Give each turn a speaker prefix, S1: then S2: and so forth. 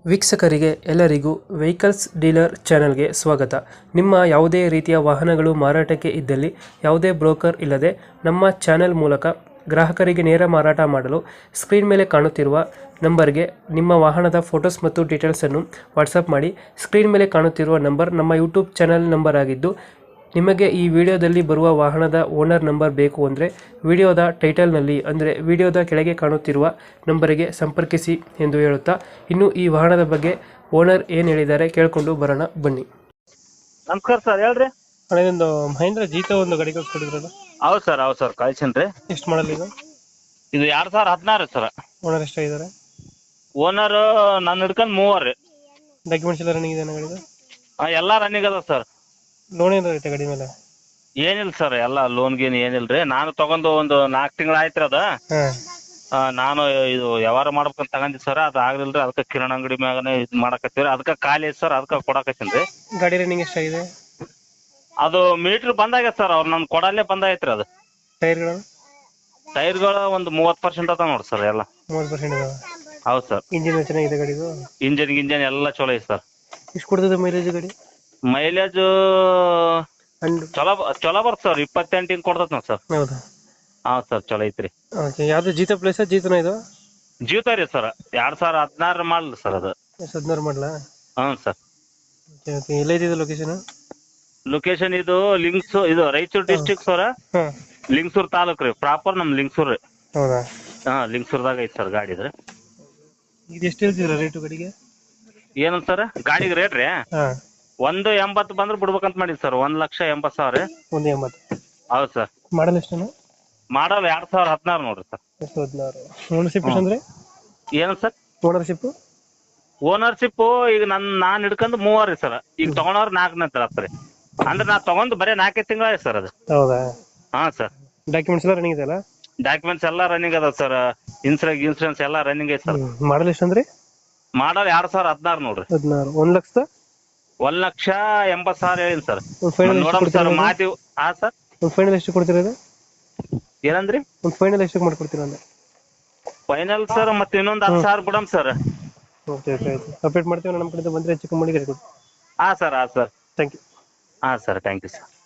S1: ವೀಕ್ಷಕರಿಗೆ ಎಲ್ಲರಿಗೂ vehicles dealer ಚಾನೆಲ್ಗೆ ಸ್ವಾಗತ. ನಿಮ್ಮ ಯಾವುದೇ ರೀತಿಯ ವಾಹನಗಳು ಮಾರಾಟಕ್ಕೆ ಇದ್ದಲ್ಲಿ ಯಾವುದೇ ಬ್ರೋಕರ್ ಇಲ್ಲದೆ ನಮ್ಮ ಚಾನೆಲ್ ಮೂಲಕ ಗ್ರಾಹಕರಿಗೆ ನೇರ ಮಾರಾಟ ಮಾಡಲು ಸ್ಕ್ರೀನ್ ಮೇಲೆ ಕಾಣುತ್ತಿರುವ ನಂಬರ್ಗೆ ನಿಮ್ಮ ವಾಹನದ ಫೋಟೋಸ್ ಮತ್ತು ಡೀಟೇಲ್ಸನ್ನು ವಾಟ್ಸಪ್ ಮಾಡಿ. ಸ್ಕ್ರೀನ್ ಮೇಲೆ ಕಾಣುತ್ತಿರುವ ನಂಬರ್ ನಮ್ಮ ಯೂಟ್ಯೂಬ್ ಚಾನೆಲ್ ನಂಬರ್ ಆಗಿದ್ದು, ನಿಮಗೆ ಈ ವಿಡಿಯೋದಲ್ಲಿ ಬರುವ ವಾಹನದ ಓನರ್ ನಂಬರ್ ಬೇಕು ಅಂದರೆ ವಿಡಿಯೋದ ಟೈಟಲ್ನಲ್ಲಿ ಅಂದರೆ ವಿಡಿಯೋದ ಕೆಳಗೆ ಕಾಣುತ್ತಿರುವ ನಂಬರಿಗೆ ಸಂಪರ್ಕಿಸಿ ಎಂದು ಹೇಳುತ್ತಾ, ಇನ್ನು ಈ ವಾಹನದ ಬಗ್ಗೆ ಓನರ್ ಏನು ಹೇಳಿದ್ದಾರೆ ಕೇಳಿಕೊಂಡು ಬರೋಣ ಬನ್ನಿ.
S2: ನಮಸ್ಕಾರ ಸರ್, ಹೇಳ್ರಿ.
S1: ಹಳೆಯದೊಂದು ಮಹೇಂದ್ರ ಜೀತ ಒಂದು ಗಾಡಿ ಕಳ್ಸ್ಕೊಟ್ಟಿದ್ರಲ್ಲ?
S2: ಹೌದು ಸರ್ ಕಳ್ಸೇನ್ರಿ.
S1: ಎಷ್ಟು ಮಾಡಲ್ ಇದು?
S2: ಇದು 2016 ಸರ್.
S1: ಓನರ್ ಎಷ್ಟಾಗಿದ್ದಾರೆ?
S2: ಓನರ್ ನಾನು ಹಿಡ್ಕೊಂಡು 3 ರೀ.
S1: ಡಾಕ್ಯುಮೆಂಟ್ಸ್ ಎಲ್ಲ ರನ್ನಿಂಗ್ ಇದೆ ಗಾಡಿದು?
S2: ಎಲ್ಲ ರನ್ನಿಂಗ್ ಅದ ಸರ್.
S1: ಲೋನ್ ಏನು ಐತೆ ಗಾಡಿ ಮೇಲೆ?
S2: ಏನಿಲ್ಲ ಸರ್, ಎಲ್ಲ ಲೋನ್ ಗೀನ್ ಏನಿಲ್ರಿ. ನಾನು ತಗೊಂಡು ಒಂದು 4 ತಿಂಗಳು ಆಯ್ತು ಅದ. ನಾನು ಇದು ವ್ಯವಹಾರ ಮಾಡ್ಬೇಕಂತ ತಗೊಂಡಿ ಸರ್, ಅದು ಆಗ್ಲಿಲ್ರಿ. ಅದಕ್ಕೆ ಕಿರಾಣಿ ಅಂಗಡಿ ಮ್ಯಾಗನೇ ಇದು ಮಾಡಕತ್ತೀವ್ರಿ. ಅದಕ್ಕೆ ಖಾಲಿ ಐತಿ ಸರ್, ಅದಕ್ಕೆ ಕೊಡಕತ್ತೀನ್ರಿ.
S1: ಗಾಡಿ ರನ್ನಿಂಗ್ ಎಷ್ಟಾಗಿದೆ?
S2: ಅದು ಮೀಟ್ರ್ ಬಂದಾಗೈತೆ ಸರ್, ಅವ್ರು ನನ್ ಕೊಡಲ್ಲೇ ಬಂದಾಗೈತ್ರಿ. ಅದು ಟೈರ್ಗಳು ಒಂದು 30% ಅದ ನೋಡಿ ಸರ್. ಎಲ್ಲ
S1: 30% ಇದಾವೆ.
S2: ಹೌದು ಸರ್.
S1: ಇಂಜಿನ್ ಚೆನ್ನಾಗಿದೆ ಗಾಡಿದು?
S2: ಇಂಜನ್ ಎಲ್ಲ ಚಲೋ ಐತಿ ಸರ್.
S1: ಎಷ್ಟು ಕೊಡ್ತದೆ ಮೈಲೇಜ್ ಗಾಡಿ?
S2: ಮೈಲೇಜ್ ಚಲೋ ಬರ್ತ ಸರ್. 28 ಹಿಂಗ್ ಕೊಡ್ತದ ನೋಡಿ ಸರ್.
S1: ಹೌದಾ?
S2: ಹಾ ಸರ್, ಚಲೋ ಐತ್ರಿ.
S1: ಯಾವ್ದು ಜೀತ ಪ್ಲೇಸ್? ಜೀತನ ಇದು?
S2: ಜೀತ ರೀ ಸರ್, 2016 ಮಾಡಲ್ ಸರ್. ಅದು
S1: 2016 ಮಾಡಲ?
S2: ಹ್ಞೂ ಸರ್.
S1: ಎಲ್ಲೈತಿದೆ ಲೊಕೇಶನ್?
S2: ಲೊಕೇಶನ್ ಇದು ಇದು ರಾಯಚೂರು ಡಿಸ್ಟ್ರಿಕ್ಟ್ ಸರ್. ಲಿಂಗಸೂರ್ ತಾಲೂಕ್ ರೀ. ಪ್ರಾಪರ್ ನಮ್ ಲಿಂಗಸೂರ್ ರೀ.
S1: ಹೌದಾ?
S2: ಹಾ, ಲಿಂಗಸೂರ್ದಾಗ ಐತಿ ಸರ್ ಗಾಡಿ. ಇದ್ರೆ
S1: ಇದು ಎಷ್ಟು ಹೇಳ್ತಿದ್ರ ರೇಟು ಗಾಡಿಗೆ?
S2: ಏನಂತ ಸರ್ ಗಾಡಿಗೆ ರೇಟ್ ರೀ? 180 ಬಂದ್ರೆ ಬಿಡ್ಬೇಕಂತ ಮಾಡಿದ್ ಸರ್. 1,80,000.
S1: 180?
S2: ಹೌದು ಸರ್.
S1: ಮಾಡಲ್ ಎಷ್ಟು?
S2: ಮಾಡಲ್ 2016 ನೋಡ್ರಿ ಸರ್.
S1: 2016. ಓನರ್ಶಿಪ್ ಅಂದ್ರೆ
S2: ಏನು ಸರ್?
S1: ಓನರ್ಶಿಪ್
S2: ಈಗ ನಾನ್ ಹಿಡ್ಕೊಂಡು 3 ರೀ ಸರ್. ಈಗ ತಗೊಂಡವ್ರು 4 ನಂತರ ರೀ. ಅಂದ್ರೆ ನಾ ತಗೊಂಡ್ ಬರೀ 4 ತಿಂಗಳ ಸರ್ ಅದು.
S1: ಹೌದಾ?
S2: ಹಾ ಸರ್.
S1: ಡಾಕ್ಯುಮೆಂಟ್ಸ್ ಎಲ್ಲ ರನ್ನಿಂಗ್ ಇದೆಯಲ್ಲ?
S2: ಡಾಕ್ಯುಮೆಂಟ್ಸ್ ಎಲ್ಲ ರನ್ನಿಂಗ್ ಅದ ಸರ್. ಇನ್ಸೂರೆನ್ಸ್ ಎಲ್ಲ ರನ್ನಿಂಗ್ ಐತೆ ಸರ್.
S1: ಮಾಡಲ್ ಎಷ್ಟು ಅಂದ್ರೆ?
S2: ಮಾಡಲ್ 2016 ನೋಡ್ರಿ.
S1: 16.
S2: 1,80,000 ಹೇಳಿನ್ ಸರ್.
S1: ನೋಡಮ್ ಸರ್
S2: ಮಾತಿ. ಹಾ ಸರ್.
S1: ಫೈನಲ್ ಎಷ್ಟು ಕೊಡ್ತೀರಾ?
S2: ಏನಂದ್ರಿ?
S1: ಫೈನಲ್ ಎಷ್ಟು ಮಾಡ್ಕೊಡ್ತೀರಾ ಅಂದ್ರೆ?
S2: ಫೈನಲ್ ಸರ್ ಮತ್ತೆ ಇನ್ನೊಂದು 10,000 ಬಿಡಮ್ ಸರ್.
S1: ಓಕೆ ಆಯ್ತು, ಅಪ್ಡೇಟ್ ಮಾಡ್ತೀವಿ ನಮ್ಮ ಕಡೆಯಿಂದ ಬಂದ್ರೆ ಹೆಚ್ಚು ಕಮ್ಮಿ ಮಾಡಿ.
S2: ಹಾ ಸರ್.
S1: Thank you.
S2: ಹಾ ಸರ್, ಥ್ಯಾಂಕ್ ಯು ಸರ್.